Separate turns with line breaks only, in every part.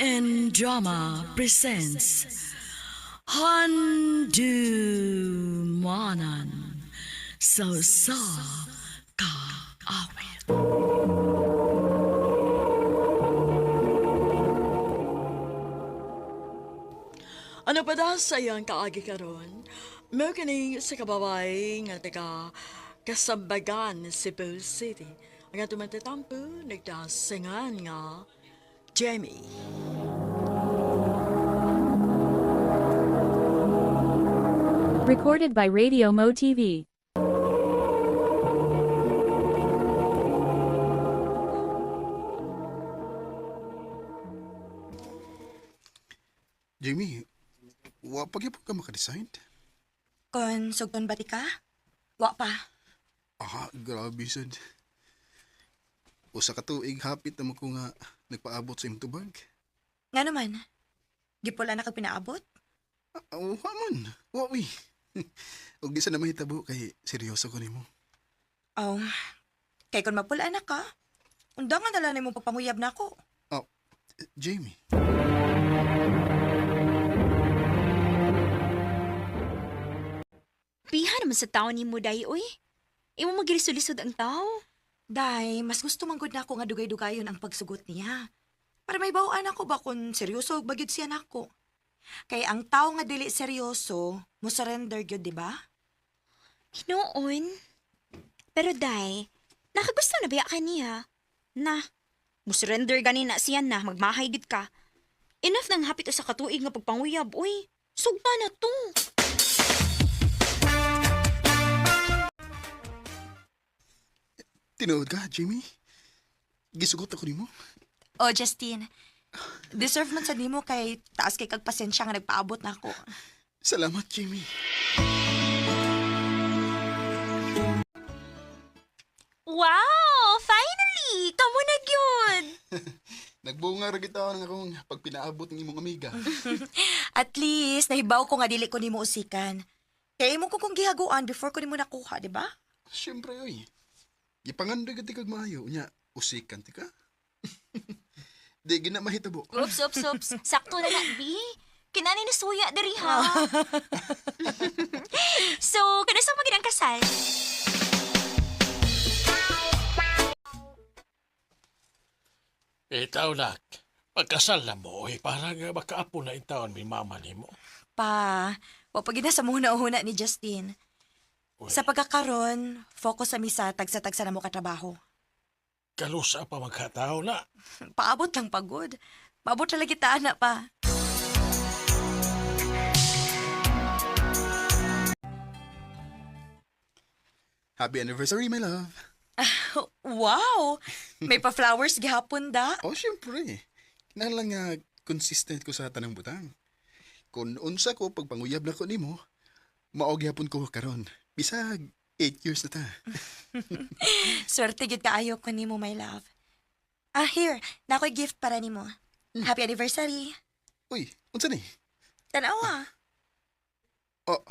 and Drama presents Handumanan sa Kaawit. Ano pa da sayang kaagi karon? Mo kini sa kababay nga taga Kasambagan, Cebu City. Ang atong matatampo nagdasingan nga Jamie.
Recorded by Radio Mo TV.
Jamie, wa pa gyud ka makadesign?
Kon sugton ba ti ka? Wa pa.
Grabe sad. Usa ka tuig hapit na ko nga nagpaabot sa imong tubag.
Nga naman. Gipula na ka pinaabot?
Wa man. Wa uy. Og di sa na mahitabo kay seryoso ko nimo.
Oh, kay kon mapula na ka, undangan na lang nimo papanguyab na ako.
Jamie.
Piha naman sa tao ni mo, day, oy. Imo magilisod-lisod ang tao.
Day, mas gusto manggod na ako nga dugay-dugayon ang pagsugot niya. Para may bawaan ako ba kung seryoso bagid siya nako. Kay ang tao nga dili seryoso, mo surrender gyud, di ba?
Hinoon. Pero day, nakagusto na biya ka niya. Na, musurrender gani na siya na, magmahay gid ka. Enough nang hapit sa katuig nga pagpanguyab, oy. Sugpa na to.
Tinuod ka, Jamie? Gisugot ako nimo.
Oh, Justine. Deserve man sa nimo kay taas kay kag pasensya nga nagpaabot na ako.
Salamat, Jamie.
Wow! Finally! Kamo na gyud!
Nagbunga ra kita ng akong pag pinaabot ng imong amiga.
At least, nahibaw ko nga dili ko nimo usikan. Kaya imo ko kong gihaguan before ko nimo nakuha, di ba?
Siyempre, oy. Gipangandoy ka ti kag maayo. Unya, usikan ti ka. Di gina mahitabo.
Oops. Sakto na na, B. Kinani na suya dari ha. So, kanasang maging ang kasal?
Itaw nak, pagkasal na mo, parang makaapo na itaon may mama ni mo.
Pa, wapagina sa muna-una ni Justine.
Uy,
Sa pagkakaron, focus sa misa tagsa-tagsa na mo katrabaho.
kalusa pa magkatao na.
Paabot lang pagod. Paabot talaga kita, anak pa.
Happy anniversary, my love.
Wow! May pa-flowers gihapon da.
Oh, siyempre. Kinahanglan nga consistent ko sa tanang butang. Kung unsa ko pagpanguyab na ko nimo, mao gyapon ko karon. Bisag 8 years na ta.
Swerte gid kaayo ko nimo, my love. Here, na ako'y gift para nimo. Happy anniversary.
Uy, unsa ni?
Tanawa.
Oh,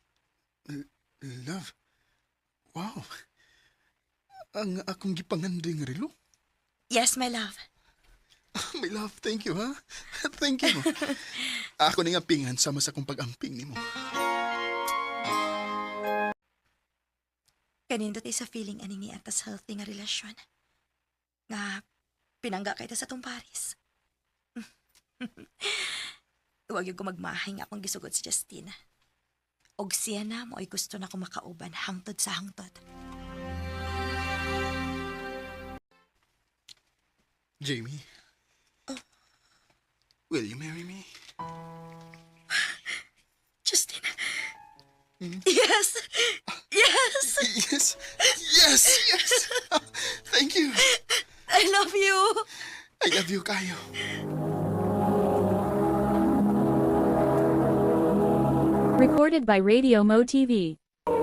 love. Wow. Ang akong gipangandoy nga relo.
Yes, my love.
My love, thank you, ha? Thank you. Ako ni nga pingan sama sa kong pag-amping nimo.
Kanindot sa feeling ani ni atas healthy nga relasyon. Nga, pinangga kay ta sa tong Paris. Huwag yung ko magmahay nga akong gisugod si Justine. Og siya na mo ay gusto na ko makauban hangtod sa hangtod.
Jamie. Will you marry me?
Justine. Yes! Yes!
Yes! Yes! Yes! Thank you!
I love you!
I love you, kayo.
Recorded by Radio Mo TV.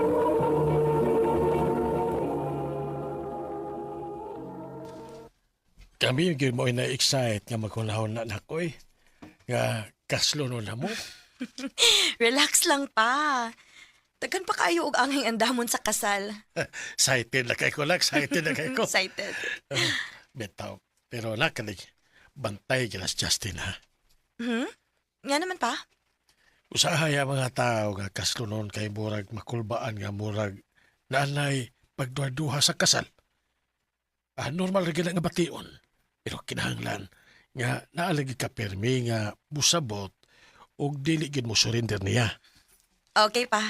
Kami yung mo na-excite nga magkunahon na nakoy. Nga kaslo no na mo.
Relax lang pa. Daghan pa kayo og angay andamon sa kasal.
Excited na kay ko lang, excited na kay ko.
Excited.
Betaw. Pero lakalig, bantay kinas Justin ha.
Nga naman pa.
Usahay ang mga tao nga kaslunon kay murag makulbaan nga murag naanay pagduha-duha sa kasal. Normal rin nga bation. Pero kinahanglan nga naalagi ka permi nga musabot o dili gid mo surrender niya.
Okay pa.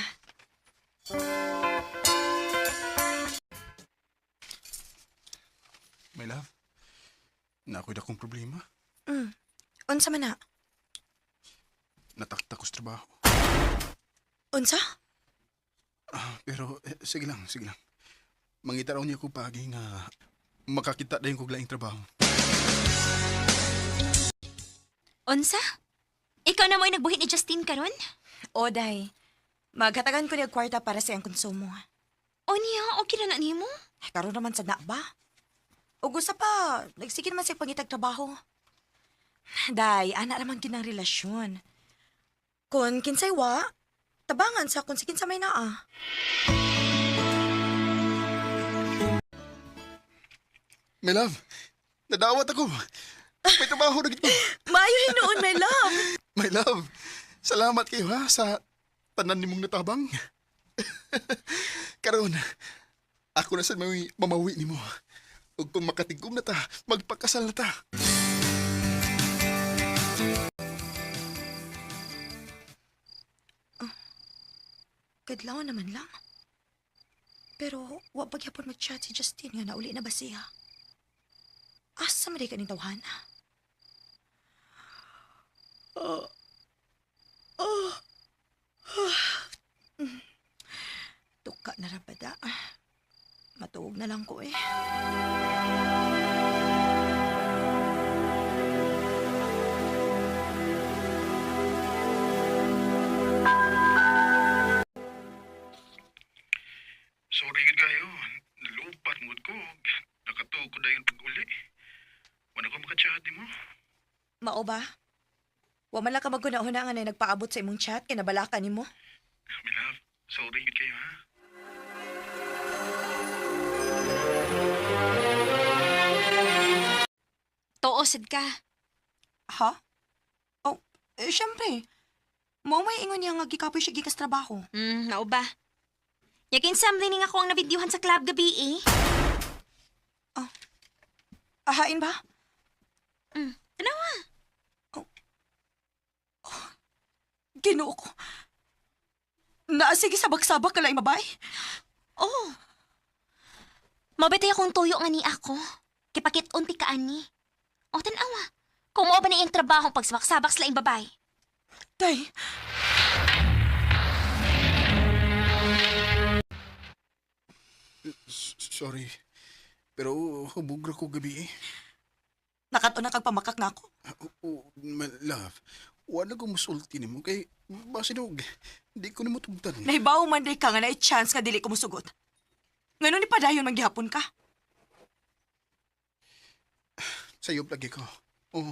My love, nakoy akong problema.
Unsa man na?
Natakta ko sa trabaho.
Unsa?
Pero sige lang, sige lang. Mangita raw niya ko pagi nga makakita dayon kog laing trabaho.
Unsa? Ikaw na mo'y nagbuhit ni Justin karon?
Oday. Maghatagan ko niya kwarta para sa iyang konsumo.
O niya, okay na nimo?
Karon naman sa na ba? O gusto pa, nagsigil man siya pangitag trabaho. Day, ana naman ginang relasyon. Kung kinsay wa, tabangan sa kung si kinsa may naa.
My love, nadawat ako. May trabaho na gito.
Maayo hinuon, my love.
My love, salamat kayo ha sa tanan nimong natabang. Karon, ako na sa may mamawi nimo. Ug kung makatigom na ta, magpakasal na ta.
Kadlaw naman lang. Pero, wa pagyapon mag-chat si Justin nga nauli na ba siya? Asa man di ka ni tawhana? Tuka na rabada. Matuog na lang ko eh.
Sorry gid kayo. Nalupat mood ko. Nakatuog ko dayon pag-uli. Wala ko makachat mo.
Mao ba? Wa man lang ka magkunahuna nga na nagpaabot sa imong chat kay nabalakan nimo.
My love, sorry gid kayo ha.
Tuosad ka.
Ha? Oh, syempre. Mao may ingon niya nga gikapoy siya gikas trabaho.
Nao ba? Yakin something nga ako ang nabidyuhan sa club gabi eh.
Ahain ba?
Ano nga?
Ginoo ko. Naasige sabak-sabak ka lang mabay.
Oh. Mabitay akong tuyo nga ni ako. Kipakit unti ka ani. O tanawa. Kung mo ba na iyang trabaho pagsabak-sabak sa laing babay?
Tay,
Sorry. Pero hubog ra ko gabi eh.
nakato na kag pamakak nga ako.
My love, wala ko musulti nimo kay basinog. Di ko nimo tugtan.
Nahibaw man day ka nga na chance nga dili ko musugot. Ngano ni padayon man gihapon ka?
Sayop lagi ko. Oh.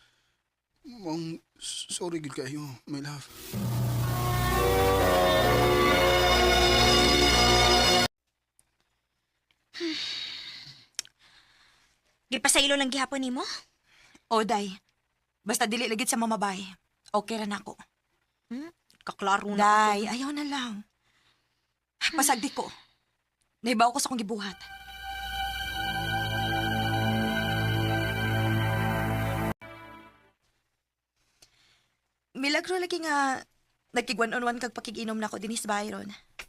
Sorry gid kayo, my love.
Gipasaylo lang gihapon nimo?
Oday, basta dili lagit sa mamabay. Okay ra nako.
Kaklaro na.
Day, ayaw na lang. Pasagdi ko. Nahibaw ko sa kong gibuhat. Milagro lagi nga nagkigwan-on-wan kag pakiginom na ko dinis Byron.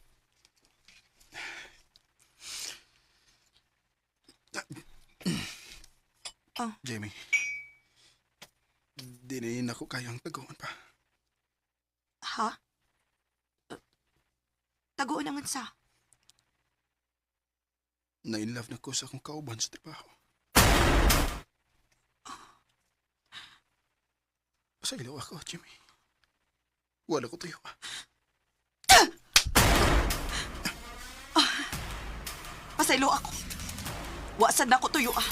Jamie. Di na ako kayang taguan pa.
Ha? Taguon naman sa.
Na-inlove na ko sa akong kauban sa trabaho. Pasailaw ako, Jimmy. Wala ko tayo.
Pasaylo ako. Wasan na ko tuyo ah.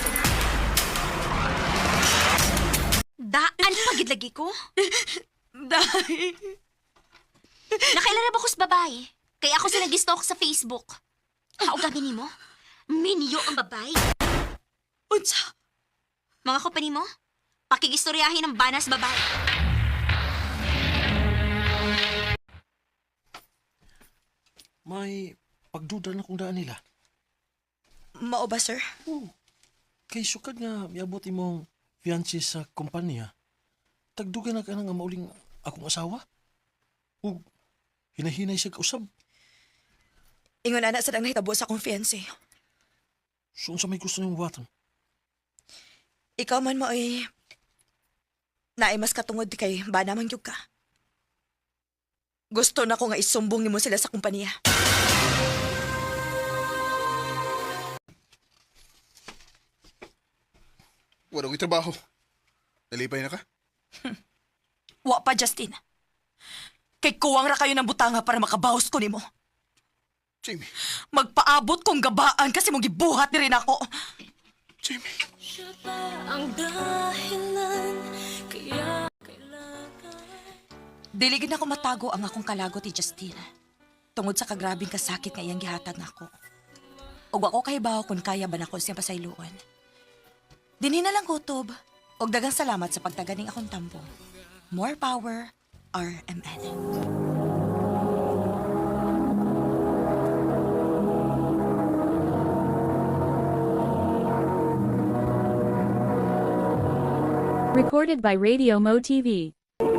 Daan pagid lagi ko.
Day.
Nakailan ba ko sa babae? Kaya ako sila gistalk sa Facebook. Haugamin nimo? Minyo ang babae.
Unsa?
Mga company mo, pakigistoryahin ng banas babae.
May pagduda na kung daan nila.
Mao ba, sir?
Oo. Kay sukad nga miabot imong fiancé sa kumpanya. Tagdugan na ka na nga mauling akong asawa. O hinahinay siya kausab.
Ingon ana sa nang nahitabo sa akong fiancé.
So sa may gusto niyong buhaton.
Ikaw man mo ay naay mas katungod kay ba naman gyud ka. Gusto na ko nga isumbong nimo sila sa kumpanya.
Wala ko'y trabaho. Nalipay na ka?
Wa pa, Justin. Kay kuwang ra kayo ng butanga para makabawas ko nimo.
Jamie,
Magpaabot kong gabaan kasi mong gibuhat ni rin ako.
Jamie.
Dili gid na ko matago ang akong kalagot ni Justin. Tungod sa kagrabing kasakit nga iyang gihatag nako. Og ako kahibaw kung kaya ba nako siyang pasayloan. Dinhi na lang kutob. Og daghang salamat sa pagtaganing akong tampo. More power, RMN.
Recorded by Radio Mo TV.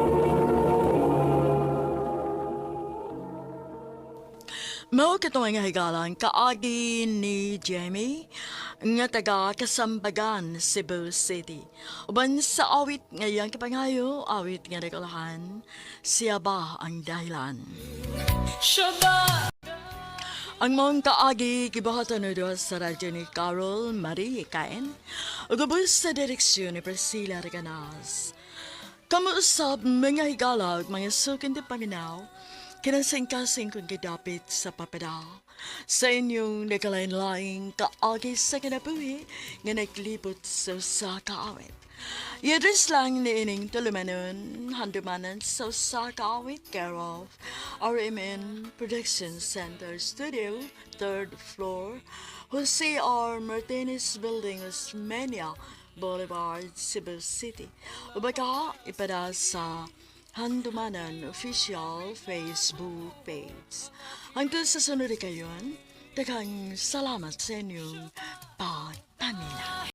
Mao katong nga higalan kaagi ni Jamie nga taga Kasambagan, Cebu City. Uban sa awit ngayang kapangayo, awit nga nagalahan, siya ba ang dahilan? Ang mong kaagi gibahatan na doon sa radyo ni Carol Marie Caen, ugubos sa direksyon ni Priscilla Reganas. Kamuusap mga higala ug mga sukin di paminaw, kinasing-kasing kung gidapit sa papada. Sa inyong nakalain-laing kaagi sa kinabuhi nga naglibot sa kaawit. Yadres lang ni ining tulumanon, handumanan sa kaawit care of RMN Production Center Studio, 3rd floor, Jose R. Martinez Building, Osmeña Boulevard, Cebu City. Ubaga ipada sa Handumanan Official Facebook page. Hangtod sa sunod kayon, daghang salamat sa inyong pagpamila.